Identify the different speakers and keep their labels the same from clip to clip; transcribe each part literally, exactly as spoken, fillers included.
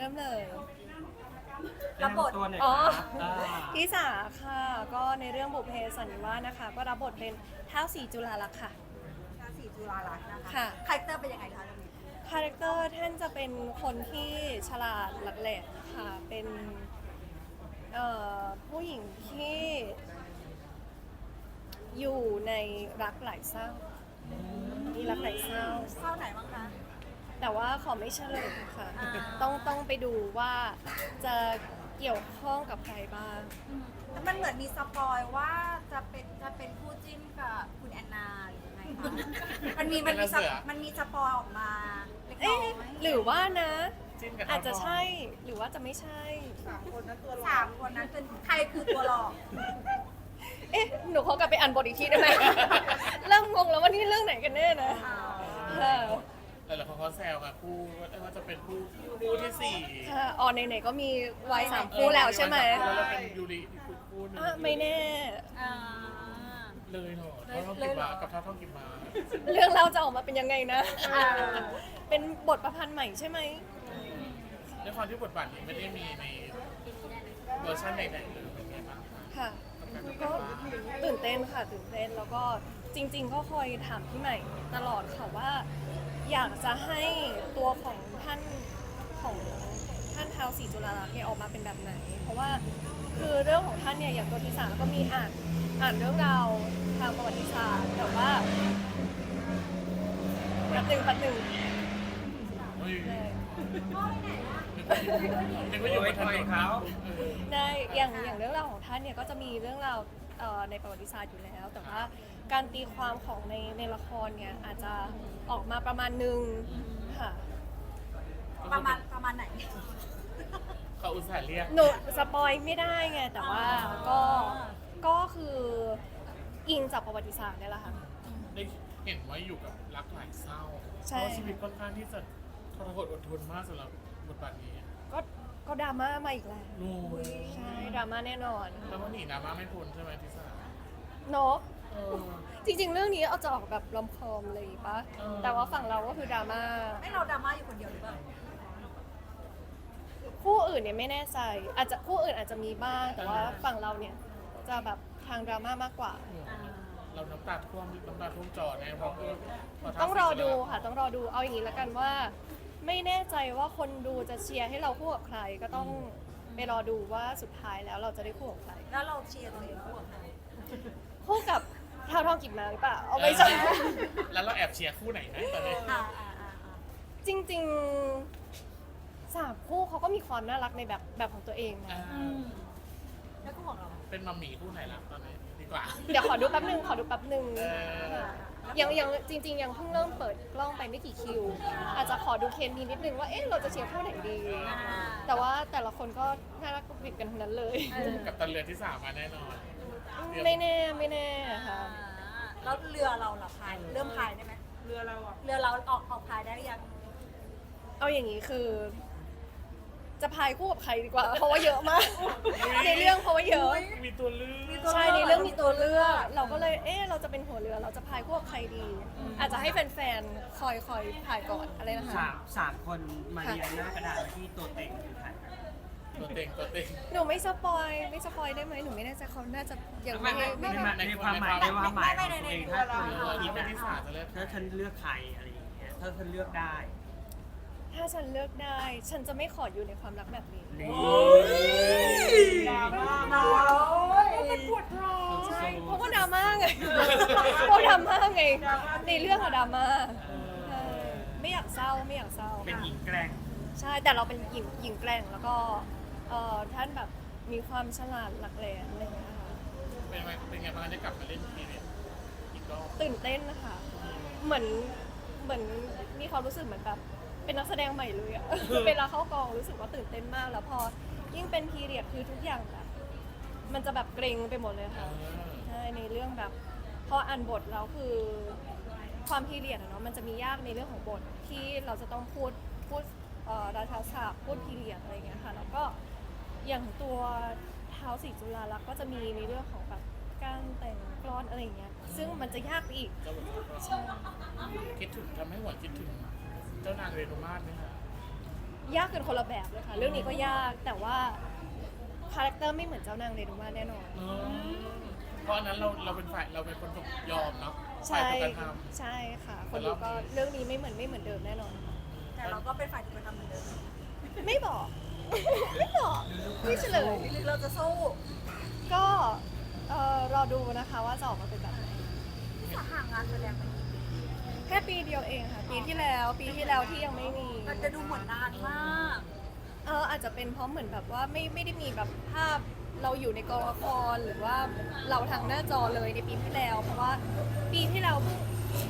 Speaker 1: เริ่มเลย
Speaker 2: รับบท
Speaker 3: ตัวหน่อย
Speaker 1: อ๋อ
Speaker 3: ครับอ่า
Speaker 1: พี่สาค่ะ ก็ในเรื่องบุพเพสันนิวาสนะคะ ก็รับบทเป็นท้าวศรีจุฬาลักษณ์ค่ะ
Speaker 2: ราศีจุฬาลักษณ์นะคะ
Speaker 1: ค่ะ
Speaker 2: คาแรคเตอร์เป็นยังไงคะเรื่องนี้
Speaker 1: คาแรคเตอร์ท่านจะเป็นคนที่ฉลาดหลักแหลมค่ะ เป็นเอ่อผู้หญิงที่อยู่ในรักหลายเศร้า มีรักหลายเศร้า
Speaker 2: เข้าไหนบ้างคะ
Speaker 1: แต่ว่าขอไม่เฉลยค่ะ
Speaker 2: อ่า
Speaker 1: ต้องต้องไปดูว่าจะเกี่ยวข้องกับใครบ้าง
Speaker 2: แต่มันเหมือนมีสปอยว่าจะเป็นจะเป็นคู่จิ้นกับคุณแอนนาหรือยังไงคะมันมีมันมีสปมันมีสปอยออกมาเล็กน้
Speaker 1: เอ๊ะ
Speaker 2: อย
Speaker 1: หรือว่านะ
Speaker 3: จิ้นกับ
Speaker 1: อาจจะใช่หรือว่าจะไม่ใช่
Speaker 2: สามคนนั้นตัวหลอกสามคนนั้นเป็นใครคือตัวหลอก
Speaker 1: เอ๊ะ หนูขอกลับไปอ่านบทอีกทีได้ไหม เริ่มงงแล้วว่านี่เรื่องไหนกันแน่นะ
Speaker 2: อ่า
Speaker 1: ค่ะ
Speaker 3: แต่ละคนเขาแซวค่ะคู่ว่าจะเป็นคู่คู่ที่สี่
Speaker 1: ค่ะอ๋อไหนๆก็มีวัยสามคู่แล้วใช่ไหม
Speaker 3: แล้วเราเป็นยูริอีกคู่หนึง
Speaker 1: อ่ะไม่แน่
Speaker 2: อ่า
Speaker 3: เลยเหรอเท่าท่องกิบมากับเท่าท่องกิบมา
Speaker 1: เรื่องเราจะออกมาเป็นยังไงนะ
Speaker 2: อ่า
Speaker 1: เป็นบทประพันธ์ใหม่ใช่ไหม
Speaker 3: ด้วยความที่บทบาทนี้ไม่ได้มีในเวอร์ชันไหนๆเลยเป็นไงบ้างคะ
Speaker 1: ค่ะ
Speaker 3: กับการเป็น
Speaker 1: ก็
Speaker 3: บ้าน
Speaker 1: ตื่นเต้นค่ะตื่นเต้นแล้วก็จริง ๆ ก็คอยถามพี่ใหม่ตลอดค่ะว่า อยากจะให้ตัวของท่านของท่านท้าวศรีจุฬาลักษณ์เนี่ยออกมาเป็นแบบไหน เพราะว่าคือเรื่องของท่านเนี่ยอย่างตัวที่สามก็มีอ่านอ่านเรื่องราวทางประวัติศาสตร์แต่ว่าปัดหนึ่งปัดหนึ่ง
Speaker 3: เฮ้ย
Speaker 1: ใช่
Speaker 3: นึกว่าอยู่บนถนนเขา
Speaker 1: ได้อย่างอย่างเรื่องราวของท่านเนี่ยก็จะมีเรื่องราวเอ่อในประวัติศาสตร์อยู่แล้ว แต่ว่าการตีความของในในละครเนี่ยอาจจะออกมาประมาณหนึ่งค่ะ
Speaker 2: ประมาณประมาณไหน
Speaker 3: เขาอุตส่าห์เรียก
Speaker 1: หนูสปอยไม่ได้ไง แต่ว่าก็ก็คืออิงจากประวัติศาสตร์เนี่ยแหละค่ะ
Speaker 3: ได้เห็นว่าอยู่กับรักหลายเศร้า
Speaker 1: ใช่
Speaker 3: เพราะชีวิตค่อนข้างที่จะทรหดอดทนมากสำหรับบทบาทนี้
Speaker 1: ก็ก็ดราม่ามาอีกแล้ว
Speaker 3: โอ้ย
Speaker 1: ใช่ดราม่าแน่นอน
Speaker 3: แล้วว่าหนีดราม่าไม่พ้นใช่ไหมทิสา
Speaker 1: เนาะ
Speaker 3: เออ
Speaker 1: จริงๆ เรื่องนี้เอาจะออกแบบรอมคอมเลยปะ
Speaker 3: เออ
Speaker 1: แต่ว่าฝั่งเราก็คือดราม่า
Speaker 2: ให้เราดราม่าอยู่คนเดียวหรือเปล่า
Speaker 1: คู่อื่นเนี่ยไม่แน่ใจ อาจจะคู่อื่นอาจจะมีบ้าง แต่ว่าฝั่งเราเนี่ยจะแบบทางดราม่ามากกว่า
Speaker 2: อ่า
Speaker 3: เราน้ำตาท่วมน้ำตาท่วมจอแน่เพราะเพราะ
Speaker 1: ต้องรอดูค่ะ ต้องรอดู เอาอย่างนี้แล้วกันว่า ไม่แน่ใจว่าคนดูจะเชียร์ให้เราคู่กับใคร ก็ต้องไปรอดูว่าสุดท้ายแล้วเราจะได้คู่กับใคร
Speaker 2: แล้วเราเชียร์ตัวเองคู่กับใคร
Speaker 1: คู่กับท้าวทองกิบมาหรือเปล่า เอาไม่ใช่
Speaker 3: แล้วเราแอบเชียร์คู่ไหนนะตอนนี้
Speaker 2: อ่าอ่าอ่าอ่า
Speaker 1: จริงๆสามคู่เขาก็มีความน่ารักในแบบแบบของตัวเองนะ
Speaker 2: อืมแล้วคู่ของเรา
Speaker 3: เป็นมัมหมี่คู่ไหนล่ะตอนนี้ดีกว่า
Speaker 1: เดี๋ยวขอดูแป๊บนึง ขอดูแป๊บนึง
Speaker 3: เออ
Speaker 1: ค่ะยังยังจริง ๆ ยังเพิ่งเริ่มเปิดกล้องไปไม่กี่คิว อาจจะขอดูเคมีนิดนึงว่า เอ๊ะ เราจะเชียร์คู่ไหนดี
Speaker 2: อ่า
Speaker 1: แต่ว่าแต่ละคนก็น่ารักกุบกิบกันทั้งนั้นเลย
Speaker 3: กับตันเรือที่สามมาแน่นอน
Speaker 1: ไม่แน่ไม่แน่ค่ะ
Speaker 2: อ่าแล้วเรือเราล่ะพายเริ่มพายได้ไหมเรือเราเรือเราออกออกพายได้หรือยัง
Speaker 1: เอาอย่างนี้คือ จะพายคู่กับใครดีกว่า เพราะว่าเยอะมาก ในเรื่องเพราะว่าเยอะ
Speaker 3: มีตัวเลือก
Speaker 1: ใช่ในเรื่องมีตัวเลือกเราก็เลยเอ๊ะเราจะเป็นหัวเรือเราจะพายคู่กับใครดี อาจจะให้แฟนๆคอยคอยพายก่อนอะไรนะคะ
Speaker 4: สามสามคนมาเรียงหน้ากระดาษไว้ที่ตัวเต็งคือใคร
Speaker 3: ตัวเต็งตัวเต็ง
Speaker 1: หนูไม่สปอยไม่สปอยได้ไหมหนูไม่แน่ใจเขาน่าจะยังไม่
Speaker 4: ไม่
Speaker 1: ไม่
Speaker 4: ไม่
Speaker 1: ไม่
Speaker 4: ในความหมายในความหมายของตัวเองถ้า
Speaker 3: เอ
Speaker 4: คุณ
Speaker 3: อ
Speaker 4: คิด
Speaker 3: เป็น
Speaker 4: นะ
Speaker 3: ที่สามจะเลือก
Speaker 4: ถ้าฉันเลือกใครอะไรอย่างเงี้ยถ้าฉันเลือกได้
Speaker 1: ถ้าฉันเลือกได้ ฉันจะไม่ขออยู่ในความรักแบบนี้
Speaker 4: นี่
Speaker 2: น้อย
Speaker 1: ใช่เพราะว่าดราม่าไงเพราะดราม่าไงในเรื่องอะดราม่าใช่ไม่อยากเศร้าไม่อยากเศร้า
Speaker 4: เป็นหญิงแกร่ง
Speaker 1: ใช่แต่เราเป็นหญิงหญิงแกร่งแล้วก็เอ่อท่านแบบมีความฉลาดหลักแหลมอะไรอย่างเงี้ยค่ะ
Speaker 3: เป็นไงเป็นไงบ้างได้กลับมาเล่นทีเนี่ยอีกรอบ
Speaker 1: ตื่นเต้นนะคะเหมือนเหมือนมีความรู้สึกเหมือนแบบเป็นนักแสดงใหม่เลยอะ เวลาเข้ากองรู้สึกว่าตื่นเต้นมากแล้วพอยิ่งเป็นพีเรียดคือทุกอย่างแบบมันจะแบบเกรงไปหมดเลย
Speaker 3: เอ
Speaker 1: ค่ะ
Speaker 3: อ
Speaker 1: ใช่ในเรื่องแบบพออ่านบทแล้วคือความพีเรียดอะเนาะมันจะมียากในเรื่องของบทที่เราจะต้องพูดพูดเอ่อราชาศัพท์พูดพีเรียดอะไรอย่างเงี้ยค่ะแล้วก็อย่างตัวท้าวศรีจุฬาลักษณ์ก็จะมีในเรื่องของแบบการแต่งกลอนอะไรอย่างเงี้ยซึ่งมันจะยากไปอีก
Speaker 3: ก็แบบ
Speaker 1: ใช่
Speaker 3: คิดถึงทำให้หวนคิดถึงเจ้านางเรนุมาศไหมคะ
Speaker 1: มยากกันคนละแบบเลยค่ะ เรื่องนี้ก็ยากแต่ว่าคาแรคเตอร์ไม่เหมือนเจ้านางเรนูมาแน่นอน
Speaker 3: อืมเพราะอันนั้นเราเราเป็นฝ่ายเราเป็นคนถูกยอมเนาะฝ่า
Speaker 1: ใช่
Speaker 3: ยถูกกระท
Speaker 1: ใช่ค่ะ คนดูก็เรื่องนี้ไม่เหมือนไม่เหมือนเดิมแน่นอนค่ะ
Speaker 2: แต่เราก็เป็นฝ่ายถูกกระทำเหมือนเดิม
Speaker 1: ไม่บอก ไม่บอกไม่เฉลย
Speaker 2: หรือเราจะสู้
Speaker 1: ก็เอ่อรอดูนะคะว่าจะออกมาเป็นแบบไหน
Speaker 2: ที่จะห่างงานแสดงไปกี่ปี
Speaker 1: แค่ปีเดียวเองค่ะ ปีที่แล้ว ปีที่แล้วที่ยังไม่มี
Speaker 2: มันจะดูเหมือนนานมาก
Speaker 1: เอออาจจะเป็นเพราะเหมือนแบบว่าไม่ไม่ได้มีแบบภาพเราอยู่ในกองละครหรือว่าเราทางหน้าจอเลยในปีที่แล้ว เพราะว่าปีที่แล้วเพิ่ง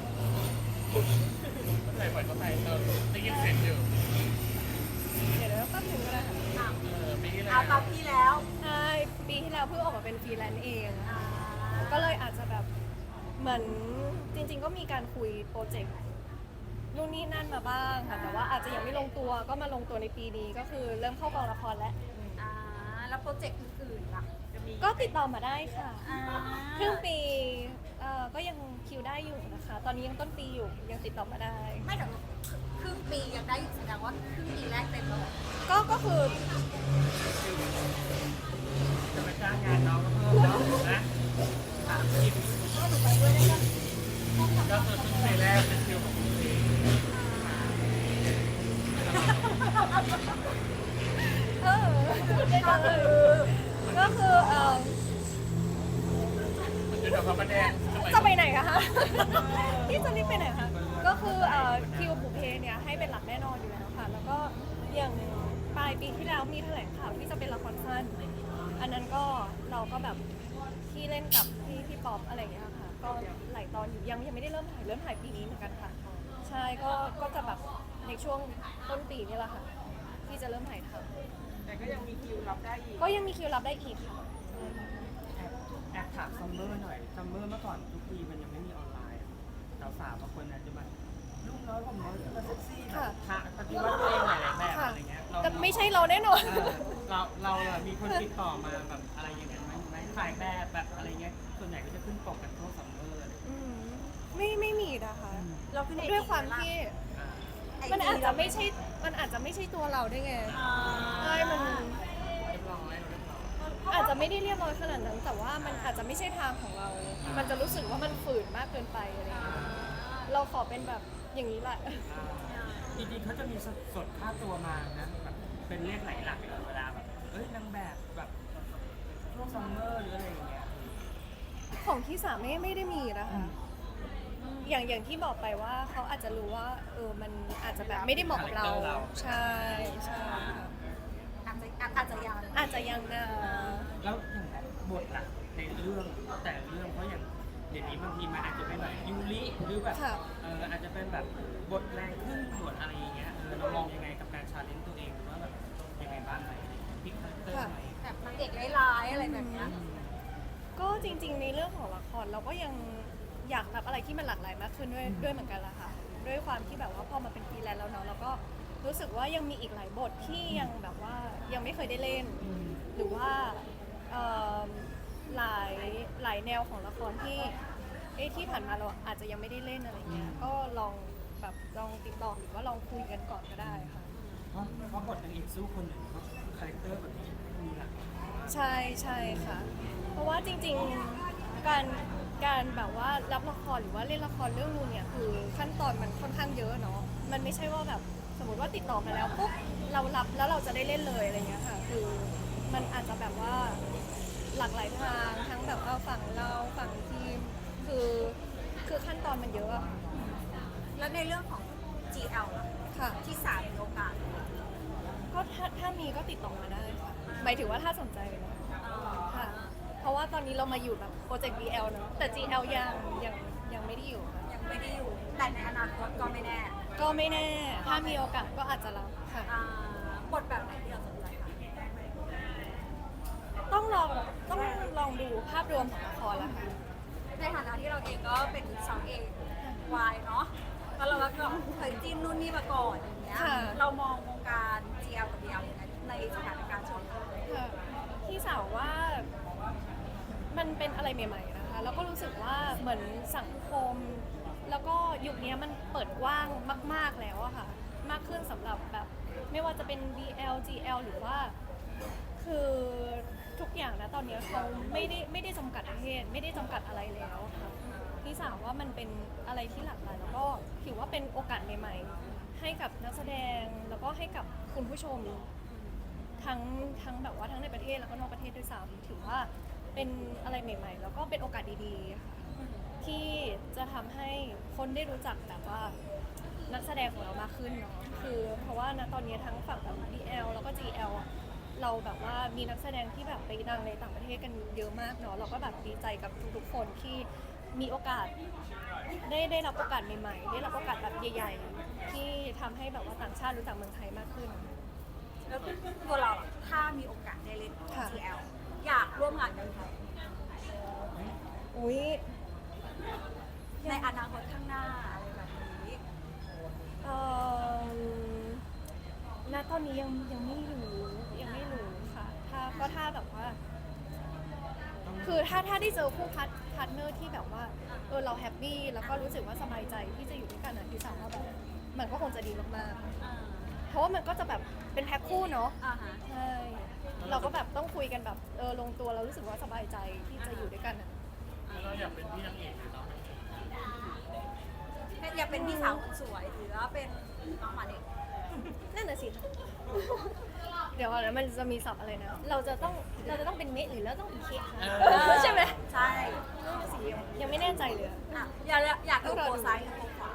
Speaker 3: ำเข้าใจปล่อยเข้าใจเราได้ยินเสียงอยู่
Speaker 1: เดี๋ยวเดี๋ยวแป๊บนึงก็ได้ค่ะ
Speaker 2: อ่ะ
Speaker 3: เออปีที่แล้ว
Speaker 2: เอาตามพี่แล้ว
Speaker 1: ใช่ปีที่แล้วเพิ่งออกมาเป็นฟรีแลนซ์เอง
Speaker 2: อ่า
Speaker 1: ก็เลยอาจจะแบบเหมือนจริง ๆ ก็มีการคุยโปรเจกต์นู่นนี่นั่นมาบ้างค่ะ แต่ว่าอาจจะยังไม่ลงตัวก็มาลงตัวในปีนี้ก็คือเริ่มเข้ากองละครแล้ว
Speaker 2: อ่าแล้วโปรเจกต์อื่นๆล่ะจะมี
Speaker 1: ก็ติดต่อมาได้ค่ะ
Speaker 2: อ่า
Speaker 1: ครึ่งปีเอ่อก็ยังคิวได้อยู่นะคะ ตอนนี้ยังต้นปีอยู่ยังติดต่อมาได้
Speaker 2: ไม่เดี๋ยวครึ่งปียังได้อยู่แสดงว่าครึ่งปีแรกเต็มแล้วเหรอ
Speaker 1: ก็ก็คือ
Speaker 4: จะไปจ้างงานน้องก็เพิ่มเนาะนะถามคิม
Speaker 2: ก็หนูไปด้วยได้ก็
Speaker 3: ก็คือครึ่งปีแรกเป็นคิวของคุณเอง
Speaker 1: เออได้เลยก็คือเอ่อ
Speaker 3: เดี๋ยวเดี๋ยวเขามาแดง
Speaker 1: จะไปไหนอะคะ พี่จะรีบไปไหนคะก็คือเอ่อคิวบุพเพเนี่ยให้เป็นหลักแน่นอนอยู่แล้วค่ะ แล้วก็อย่างปลายปีที่แล้วมีแถลงข่าวที่จะเป็นละครสั้น อันนั้นก็เราก็แบบที่เล่นกับพี่พี่ป๊อปอะไรอย่างเงี้ยค่ะ ก็หลายตอนอยู่ยังยังไม่ได้เริ่มถ่ายเริ่มถ่ายปีนี้เหมือนกันค่ะ ใช่ก็ก็จะแบบในช่วงต้นปีนี่แหละค่ะที่จะเริ่มถ่ายทำ
Speaker 4: แต่ก็ยังมีคิวรับได้อีก
Speaker 1: ก็ยังมีคิวรับได้อีกค่ะ
Speaker 4: แอบแอบถามซัมเมอร์หน่อยซัมเมอร์เมื่อก่อนทุกปีมันยังไม่มีออนไลน์สาวสาวๆบางคนอาจจะมาลูกน้อยผมน้อยจะมาเซ็กซี่แบบ
Speaker 1: ค่ะ
Speaker 4: ทะปฏิวัติตัวเองหลายๆแบบ
Speaker 1: ค่ะ
Speaker 4: อะไรเงี้ยเรา
Speaker 1: แต่ไม่ใช่เราแน่นอน
Speaker 4: เออเราเราอะมีคนติดต่อมาแบบอะไรอย่างเงี้ยไหมไหมถ่ายแบบแบบอะไรเงี้ยส่วนใหญ่ก็จะขึ้นปกกันทั่วซัมเมอร์อะไรเงี้ย
Speaker 1: อืมไม่ไม่มีนะคะ
Speaker 2: เราขึ้นไอจี
Speaker 1: ด้วยความที่
Speaker 4: อ่า
Speaker 2: ไอจี
Speaker 1: มันอาจจะไม่ใช่ มันอาจจะไม่ใช่ตัวเราได้วยไง
Speaker 2: อ่า
Speaker 1: ใช่มัน
Speaker 3: เรียบร้อยเรียบร้อย
Speaker 1: อาจจะไม่ได้เรียบร้อยขนาดนั้น แต่ว่ามันอาจจะไม่ใช่ทางของเรา มันจะรู้สึกว่ามันฝืนมากเกินไปอะไรอย่างเงี้ยเราขอเป็นแบบอย่างนี้แหละ
Speaker 4: จริงๆเขาจะมีสดสดค่าตัวมานะแบบเป็นเลขไหลหลักเลยเวลาแบบเอ้ยนางแบบแบบช่วงซัมเมอร์หรืออะไรอย่างเงี้ย
Speaker 1: ของที่สามไม่ไม่ได้มีนะคะ อย่างอย่างที่บอกไปว่าเขาอาจจะรู้ว่าเออมันอาจจะแบบไม่ได้เหมาะกับเรา ใช่ใช่ค่ะ
Speaker 2: อาจจะอาจจะยัง
Speaker 1: อาจจะยังนะ
Speaker 4: แล้วอย่างบทล่ะในเรื่องแต่ละเรื่องเพราะอย่างเดี๋ยวนี้บางทีมันอาจจะเป็นแบบยูริหรือแบบ
Speaker 1: ค่ะ
Speaker 4: เอออาจจะเป็นแบบบทแรงขึ้นบทอะไรอย่างเงี้ยเออเรามองยังไงกับการชาเลนจ์ตัวเองว่าแบบยังไงบ้างไหมพลิกคาแรคเตอร์ไหม
Speaker 2: แบบนางเอกร้ายๆอะไรแบบเนี้ย
Speaker 1: ก็จริง ๆ ในเรื่องของละครเราก็ยังอยากรับอะไรที่มันหลากหลายมากขึ้นด้วยด้วยเหมือนกันละค่ะ ด้วยความที่แบบว่าพอมาเป็นฟรีแลนซ์แล้วเนาะเราก็รู้สึกว่ายังมีอีกหลายบทที่ยังแบบว่ายังไม่เคยได้เล่น หรือว่าเอิ่มหลายหลายแนวของละครที่เอ๊ะที่ผ่านมาเราอาจจะยังไม่ได้เล่นอะไรเงี้ยก็ลองแบบลองติดต่อหรือว่าลองคุยกันก่อนก็ได้ค่ะ
Speaker 4: เพราะเพราะบทนางเอกสู้คนหนึ่งเพราะคาแรคเตอร์แบบนี้มีหลากหลาย
Speaker 1: ใช่ใช่ค่ะ เพราะว่าจริงๆ การการแบบว่ารับละครหรือว่าเล่นละครเรื่องนึงเนี่ยคือขั้นตอนมันค่อนข้างเยอะเนาะ มันไม่ใช่ว่าแบบสมมติว่าติดต่อมาแล้วปุ๊บเรารับแล้วเราจะได้เล่นเลยอะไรเงี้ยค่ะ คือมันอาจจะแบบว่าหลากหลายทางทั้งแบบว่าฝั่งเราฝั่งทีม คือคือขั้นตอนมันเยอะอะ
Speaker 2: แล้วในเรื่องของ จี แอล ล่ะ
Speaker 1: ค่ะ
Speaker 2: ที่สามมีโอกาส
Speaker 1: ก็ถ้าถ้ามีก็ติดต่อมาได้ค่ะหมายถึงว่าถ้าสนใจนะค่ะ เพราะว่าตอนนี้เรามาอยู่แบบโปรเจกต์ บี แอล เนอะแต่ จี แอล ยังยังยังไม่ได้อยู่ค่ะ
Speaker 2: ยังไม่ได้อยู่ แต่ในอนาคตก็ไม่แน่
Speaker 1: ก็ไม่แน่ ถ้ามีโอกาสก็อาจจะรับค่ะ
Speaker 2: อ่าบทแบบไหนที่เราสนใจคะ
Speaker 1: ต้องลองต้องลองดูภาพรวมของละครละค่ะ
Speaker 2: ในฐานะที่เราเองก็เป็นสาวเอกวายเนาะแล้วเราก็เคยจิ้นนู่นนี่มาก่อนอย่างเงี้ย
Speaker 1: ค่ะ
Speaker 2: เรามองวงการ จี แอล กับ บี แอล อย่างไรในสถานการณ์ช่วงนี้
Speaker 1: ค่ะพี่สาวว่ามันเป็นอะไรใหม่ๆนะคะ แล้วก็รู้สึกว่าเหมือนสังคม แล้วก็ยุคนี้มันเปิดกว้างมาก ๆแล้วอะค่ะ มากขึ้นสำหรับแบบไม่ว่าจะเป็น บี แอล จี แอล หรือว่าคือทุกอย่างนะตอนนี้เขาไม่ได้ไม่ได้จำกัดประเทศไม่ได้จำกัดอะไรแล้วค่ะพี่สาวว่ามันเป็นอะไรที่หลากหลายแล้วก็ถือว่าเป็นโอกาสใหม่ๆให้กับนักแสดงแล้วก็ให้กับคุณผู้ชม ทั้งทั้งแบบว่าทั้งในประเทศแล้วก็นอกประเทศด้วยซ้ำถือว่าเป็นอะไรใหม่ ๆ แล้วก็เป็นโอกาสดีๆค่ะที่จะทำให้คนได้รู้จักแบบว่านักแสดงของเรามากขึ้นเนาะคือเพราะว่าณตอนนี้ทั้งฝั่งแบบ บี แอล แล้วก็ จี แอล อะเราแบบว่ามีนักแสดงที่แบบไปดังในต่างประเทศกันเยอะมากเนาะเราก็แบบดีใจกับทุกๆคนที่มีโอกาสได้ได้รับโอกาสใหม่ๆได้รับโอกาสแบบใหญ่ ๆ ที่ทำให้แบบว่าต่างชาติรู้จักเมืองไทยมากขึ้น
Speaker 2: แล้วตัวเราอะถ้ามีโอกาสได้เล่น
Speaker 1: ค่ะ
Speaker 2: จี แอล อยากร่วมงานกับใคร
Speaker 1: อุ้ย
Speaker 2: ในอนาคตข้างหน้าอะไรแบบนี้
Speaker 1: เอ่อณตอนนี้ยังยังไม่รู้ยังไม่รู้ค่ะ ถ้าก็ถ้าแบบว่า คือถ้าถ้าได้เจอคู่พัทพาร์ทเนอร์ที่แบบว่าเออเราแฮปปี้แล้วก็รู้สึกว่าสบายใจที่จะอยู่ด้วยกันอ่ะที่สาวว่าแบบมันก็คงจะดีมากๆ เพราะว่ามันก็จะแบบเป็นแพ็คคู่เนาะ
Speaker 2: อ่าฮะ
Speaker 1: ใช่เราก็แบบต้องคุยกันแบบเออลงตัวเรารู้สึกว่าสบายใจที่จะอยู่ด้วยกันอ่ะ
Speaker 3: แล้วเราอยากเป็นพี่นางเอกหรือน้องนางเอก
Speaker 2: อยากเป็นพี่สาวคนสวยหรือว่าเป็นน้องหมาเด็ก
Speaker 1: นั่นน่ะสิ เดี๋ยวก่อนนะมันจะมีศัพท์อะไรนะ เราจะต้องเราจะต้องเป็นเมะหรือเราต้องเป็นเคกคะใช่ไหม
Speaker 2: ใช่
Speaker 1: นั่นน่ะสิยังยังไม่แน่ใจเลยอะ
Speaker 2: อ่ะอยากอยากดูโคซ้ายหรือโคขวา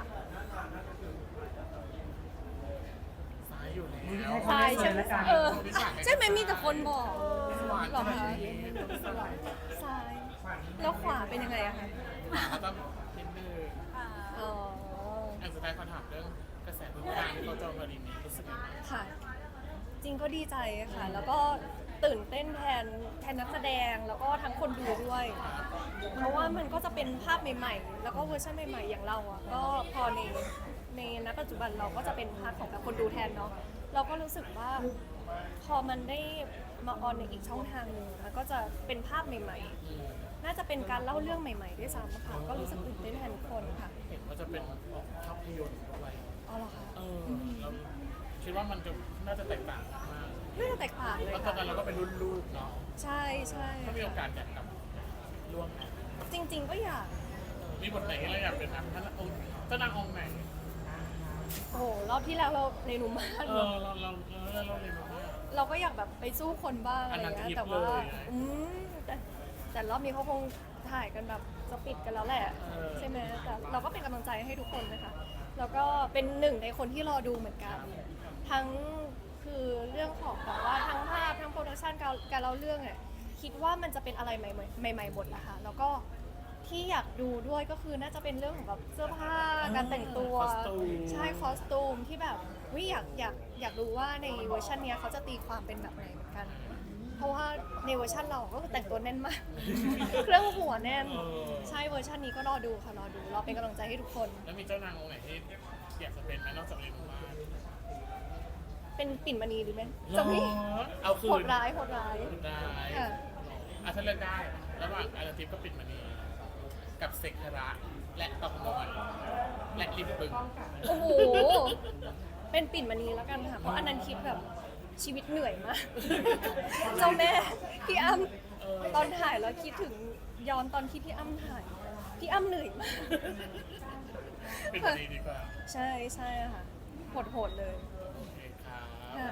Speaker 3: ซ้ายอยู่แล้ว
Speaker 1: ตายใช่ไหมเออใช่ไหมมีแต่คนบอก
Speaker 3: หวาน
Speaker 1: หรอคะ
Speaker 3: ขนาดนี้
Speaker 1: ซ้ายแล้วขวาเป็นยังไงอะคะ
Speaker 3: ก็ต้องนิดนึง
Speaker 2: อ่า
Speaker 1: อ๋อ
Speaker 3: อันสุดท้ายขอถามเรื่องกระแสทุกอย่างที่เขาโจมตีนี้รู้สึกยังไง
Speaker 1: ค่ะ จริงก็ดีใจค่ะ แล้วก็ตื่นเต้นแทนแทนนักแสดงแล้วก็ทั้งคนดูด้วย เพราะว่ามันก็จะเป็นภาพใหม่ๆ แล้วก็เวอร์ชันใหม่ๆ อย่างเราอ่ะ ก็พอในในณปัจจุบันเราก็จะเป็นพาร์ทของแบบคนดูแทนเนาะ เราก็รู้สึกว่าพอมันได้มาออนในอีกช่องทางหนึ่งมันก็จะเป็นภาพใหม่ๆ น่าจะเป็นการเล่าเรื่องใหม่ๆ ด้วยซ้ำค่ะ ก็รู้สึกตื่นเต้นแทนทุกคนค่ะ
Speaker 3: เห็นว่าจะเป็นภาพยนตร์ด้วย
Speaker 1: อ๋อเหรอคะ
Speaker 3: เออเราคิดว่ามันจะน่าจะแตกต่างกันมาก
Speaker 1: ไม่ได้แตกต่างเลย
Speaker 3: แล้วตอน
Speaker 1: ค่ะ
Speaker 3: นั้นเราก็เป็นรุ่นลูกเนาะ
Speaker 1: ใช่ใช่
Speaker 3: ถ้ามีโอกาสอยากกลับร่วมไหม
Speaker 1: จริง ๆ ก็อยาก
Speaker 3: มีบทไหนที่เราอยากเป็นนางท่านองค์เจ้านางองค์ไหน
Speaker 1: โอ้โห รอบที่แล้วเราในหนุ่มมาก
Speaker 3: เอ
Speaker 1: เน
Speaker 3: อ
Speaker 1: อะ
Speaker 3: เราเราเราเราเรียนมาว่า
Speaker 1: เราก็อยากแบบไปสู้คนบ้างอะไร
Speaker 3: อันนั้น
Speaker 1: เงี้ย
Speaker 3: ทิป
Speaker 1: แต่ว่า
Speaker 3: เลย
Speaker 1: อืมแต่แต่รอบนี้เขาคงถ่ายกันแบบจะปิดกันแล้วแหละ
Speaker 3: เออ
Speaker 1: ใช่ไหมแต่เราก็เป็นกำลังใจให้ทุกคนนะคะแล้วก็เป็นหนึ่งในคนที่รอดูเหมือนกัน ทั้งคือเรื่องของแบบว่าทั้งภาพทั้งโปรดักชันการการเล่าเรื่องอ่ะคิดว่ามันจะเป็นอะไรใหม่ๆใหม่ๆหมดนะคะแล้วก็ที่อยากดูด้วยก็คือน่าจะเป็นเรื่องของแบบเสื้อผ้าการแต่งตัว
Speaker 3: คอสตูม
Speaker 1: ใช่คอสตูมที่แบบวิอยากอยากอยากรู้ว่าในเวอร์ชันเนี้ยเขาจะตีความเป็นแบบไหนเหมือนกัน เพราะว่าในเวอร์ชันเราก็คือแต่งตัวแน่นมาก เครื่องหัวแน่น
Speaker 3: เออ
Speaker 1: ใช่เวอร์ชันนี้ก็รอดูค่ะรอดูรอเป็นกำลังใจให้ทุกคน
Speaker 3: แล้วมีเจ้านางองค์ไหนที่อยากจะเป็นไหมนอกจากเรียนมา
Speaker 1: เป็นปิ่นมณีดีไหมจะมี
Speaker 3: เอาคืน
Speaker 1: โหดร้ายโหดร้าย
Speaker 3: ได้
Speaker 1: ค่ะ
Speaker 3: อ่ะถ้าเลือกได้ ระหว่างอาราทิปก็ปิดมณีกับเสกธระและตองนวลและริมบึง
Speaker 1: โอ้โห เป็นปิ่นมณีแล้วกันค่ะ เพราะอันนั้นคิดแบบชีวิตเหนื่อยมาก เจ้าแม่พี่อ้ำตอนถ่ายแล้วคิดถึงย้อนตอนที่พี่อ้ำถ่าย พี่อ้ำเหนื่อยมาก
Speaker 3: ปิดมณีดีกว่า
Speaker 1: ใช่ใช่ค่ะโหดๆเลย
Speaker 3: โอเคครับ
Speaker 1: ค่ะ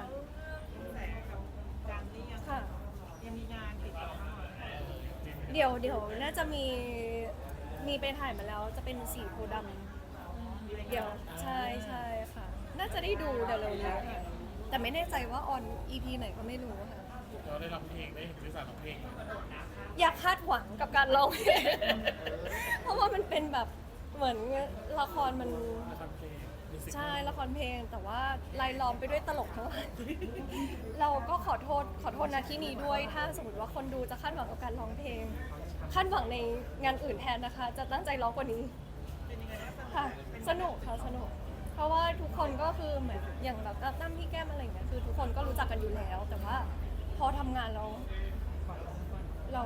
Speaker 1: ค่ะ
Speaker 3: เออจริง
Speaker 1: เดี๋ยวเดี๋ยวน่าจะมีมีไปถ่ายมาแล้วจะเป็นสีโพธิ์ดำเดี๋ยวใช่ใช่ค่ะ น่าจะได้ดูเดี๋ยวเร็วนี้ค่ะแต่ไม่แน่ใจว่าออน อี พี ไหนก็ไม่รู้ค่ะ
Speaker 3: เราได้ร้องเพลงได้เห็นวิสาร้องเพลง
Speaker 1: อยากคาดหวังกับการร้องเพลง เพราะว่ามันเป็นแบบเหมือนละครมัน
Speaker 3: ละครเพลงมิวสิค
Speaker 1: ใช่ละครเพลงแต่ว่าลายล้อมไปด้วยตลกทั้งหลาย เราก็ขอโทษขอโทษนะที่นี้ด้วย ถ้าสมมติว่าคนดูจะคาดหวังกับการร้องเพลงคาดหวังในงานอื่นแทนนะคะ จะตั้งใจร้องกว่านี้ค่ะสนุกค่ะสนุก เพราะว่าทุกคนก็คือเหมือนอย่างแบบตั้มพี่แก้มอะไรอย่างเงี้ยคือทุกคนก็รู้จักกันอยู่แล้ว แต่ว่าพอทำงานเราเรา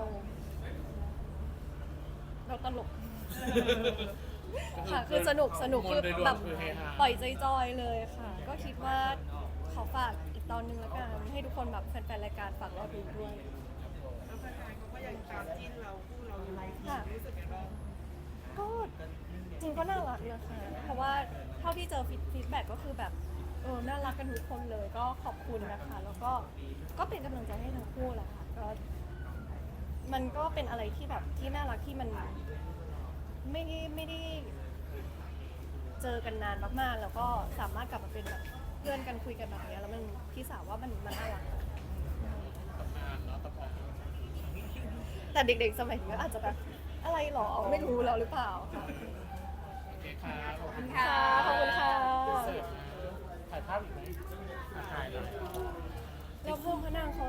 Speaker 1: เราตลก ค่ะคือสนุกสนุกคือ
Speaker 3: มวลโดยรวม
Speaker 1: แบบ
Speaker 3: คือเฮฮา
Speaker 1: ปล่อยใจจอยเลยค่ะ ก็คิดว่าขอฝากอีกตอนนึงแล้วกันให้ทุกคนแบบแฟนๆรายการฝากรอดูด้วย
Speaker 5: แล้วแฟนๆเขาก็ยังตามจิ้นเราคู่เราอยู่
Speaker 1: ค่ะ
Speaker 5: รู้สึกยังไงบ้าง
Speaker 1: ก็จริงก็น่ารักนะคะเพราะว่าเท่าที่เจอฟีดแบ็กก็คือแบบเออน่ารักกันทุกคนเลยก็ขอบคุณนะคะ แล้วก็ก็เป็นกำลังใจให้ทั้งคู่แหละค่ะก็มันก็เป็นอะไรที่แบบที่น่ารักที่มันไม่ได้ไม่ได้เจอกันนานมากๆ แล้วก็สามารถกลับมาเป็นแบบเพื่อนกันคุยกันแบบเนี้ยแล้วมันพี่สาวว่ามันมันน่ารัก
Speaker 3: ตำนานเนาะตะพอง
Speaker 1: แต่เด็กๆสมัยนี้ก็อาจจะแบบอะไรหรอไม่รู้แล้วหรือเปล่าค่ะ
Speaker 3: โอเคครับขอบคุณ
Speaker 1: ค่ะขอบคุณค่ะ
Speaker 3: เสิร์ฟมาถ่ายภาพอีกไหมอ่ะถ่ายเลย
Speaker 1: แล้วพวกพนังเขา